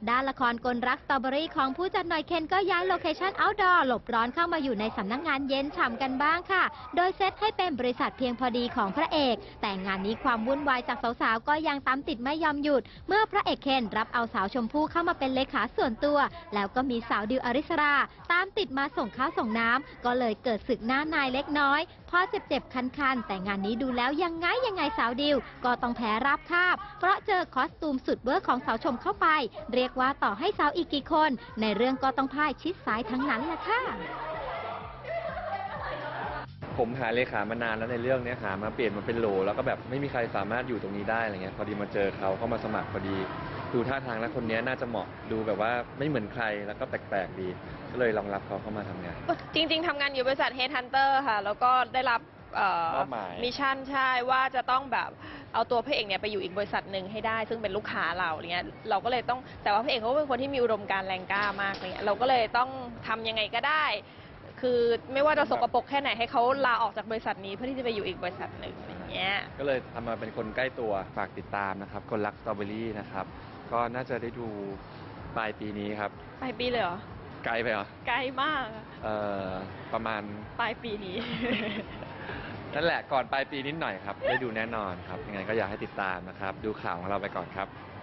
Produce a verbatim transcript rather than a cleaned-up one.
ด้านละครกลรักสตรอเบอรี่ของผู้จัดหน่อยเคนก็ย้ายโลเคชั่นเอาท์ดอร์หลบร้อนเข้ามาอยู่ในสำนักงานเย็นฉ่ำกันบ้างค่ะโดยเซตให้เป็นบริษัทเพียงพอดีของพระเอกแต่งานนี้ความวุ่นวายจากสาวๆก็ยังตามติดไม่ยอมหยุดเมื่อพระเอกเคนรับเอาสาวชมพู่เข้ามาเป็นเลขาส่วนตัวแล้วก็มีสาวดิวอริสราตามติดมาส่งข้าวส่งน้ำก็เลยเกิดศึกหน้านายเล็กน้อยพอเจ็บๆคันๆแต่งานนี้ดูแล้วยังไงยังไงสาวดิวก็ต้องแพ้ราบคาบเพราะเจอคอสตูมสุดเวอร์ของสาวชมเข้าไปเรียกว่าต่อให้สาวอีกกี่คนในเรื่องก็ต้องพ่ายชิดซ้ายทั้งนั้นแหละค่ะผมหาเลขามานานแล้วในเรื่องนี้หามาเปลี่ยนมาเป็นโหลแล้วก็แบบไม่มีใครสามารถอยู่ตรงนี้ได้อะไรเงี้ยพอดีมาเจอเขาเข้ามาสมัครพอดีดูท่าทางแล้วคนนี้น่าจะเหมาะดูแบบว่าไม่เหมือนใครแล้วก็แปลกๆดีก็เลยลองรับเขาเข้ามาทำงานจริงๆทำงานอยู่บริษัท Headhunter ค่ะแล้วก็ได้รับมิชชั่นใช่ว่าจะต้องแบบเอาตัวพระเอกเนี่ยไปอยู่อีกบริษัทหนึ่งให้ได้ซึ่งเป็นลูกค้าเราเนี่ยเราก็เลยต้องแต่ว่าพระเอกเขาเป็นคนที่มีอุดมการณ์แรงกล้ามากเนี่ยเราก็เลยต้องทำยังไงก็ได้คือไม่ว่าจะสกปรกแค่ไหนให้เขาลาออกจากบริษัทนี้เพื่อที่จะไปอยู่อีกบริษัทหนึ่งอย่างเงี้ยก็เลยทำมาเป็นคนใกล้ตัวฝากติดตามนะครับคนรักสตรอเบอรี่นะครับก็น่าจะได้ดูปลายปีนี้ครับปลายปีเลยเหรอไกลไปเหรอไกลมากเอ่อประมาณปลายปีนี้นั่นแหละก่อนปลายปีนิดหน่อยครับได้ดูแน่นอนครับยังไงก็อยากให้ติดตามนะครับดูข่าวของเราไปก่อนครับ